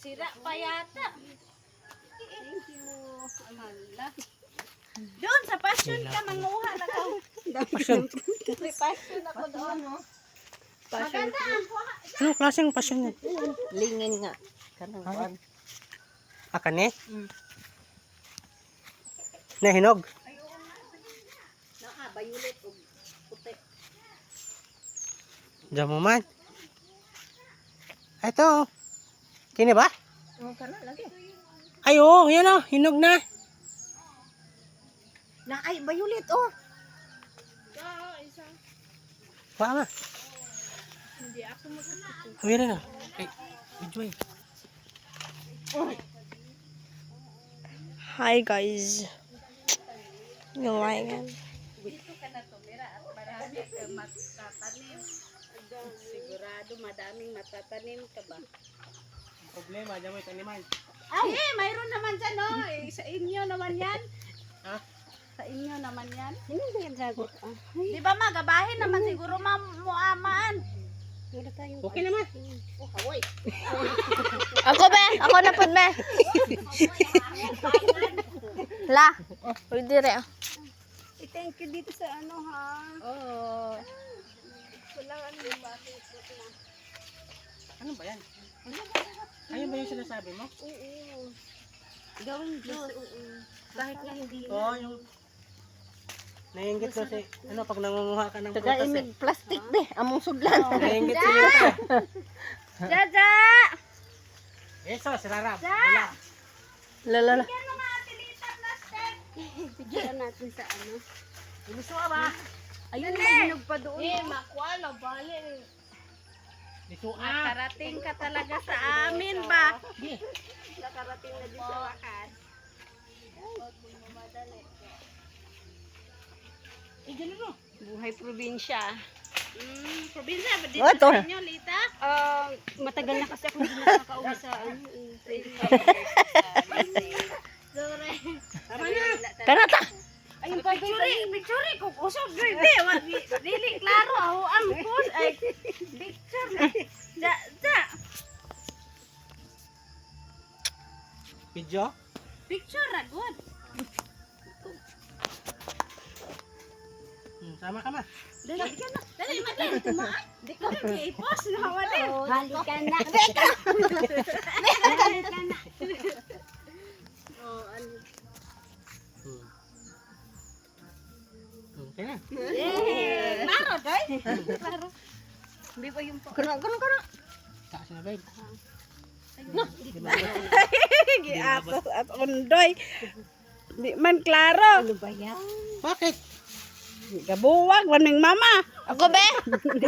Sira pa yata. Thank you. Amala. Doon sa passion ka, manguha na ka. Passion. May passion ako doon. Maganda ang kuha. Anong klaseng passion yan? Lingin nga. Kanang kuhan. Akane? Nahinog? Bayulit o puti. Diyan mo man. Ito. Kini ba? Oh, kana lagi. Ay, oo. Yan o. Hinog na. Na ay bayulit oh. Isa. Kuha ma. Hindi ako magkakita. Hawira na. Ay, enjoy. Hi guys. Yung yan. Dito ka na tumira at marami ka matatanim. Sigurado madaming matatanim ka ba? Problema, diyan mo itaniman. Ay, mayroon naman dyan oh. Sa inyo naman yan. Ha? Sa inyo naman yan. Hindi ba yan gago? Di ba magabahin naman siguro muamaan. Okay naman. Oh, kawoy. Ako be, ako na pud be. La, pwede rin. Thank you dito sa ano ha. Oo. Walang ano yung bakit. Ano ba yan? Ayun ba yung sinasabi mo? Oo. Gawin Diyos. Oo. Kahit nga hindi. Oo, yung... Naiingit ko si... Ano, pag nangunguha ka ng prutas Tagaimig plastic be. Among sudlan. Naiingit si Lita. Jaja! Eso, si Rarab. Ja! Lalala. Bigyan mo nga ate Lita plastic. Bigyan natin sa ano. Gusto ka ba? Ayun, mahinog pa doon. Makuha na bali. Gusto ka. Nakarating ka talaga sa amin ba? Nakarating na din sa wakas. Eh, ganun mo. Buhay probinsya. Probinsya ba dito Oh, ito. sa inyo, Lita? Matagal na kasi ako hindi nakakauwi sa ano. Sorry. Tama na. Kanata. Ayun pa, picture ko usap baby. Dili klaro ako ang post ay picture. Ja. Video? Picture ra good. Sama ka ma. Dali ka na. Dali madali tumaan. Di ko i-post na wala. Halika na. Halika na. Oh, ano. Okay na. Klaro, doy. Klaro. Hindi pa yung Kuno. Taas na, babe. Giapos at undoy. Di man klaro. Ano ba yan? Bakit? Gabuwag, maning mama. Ako be.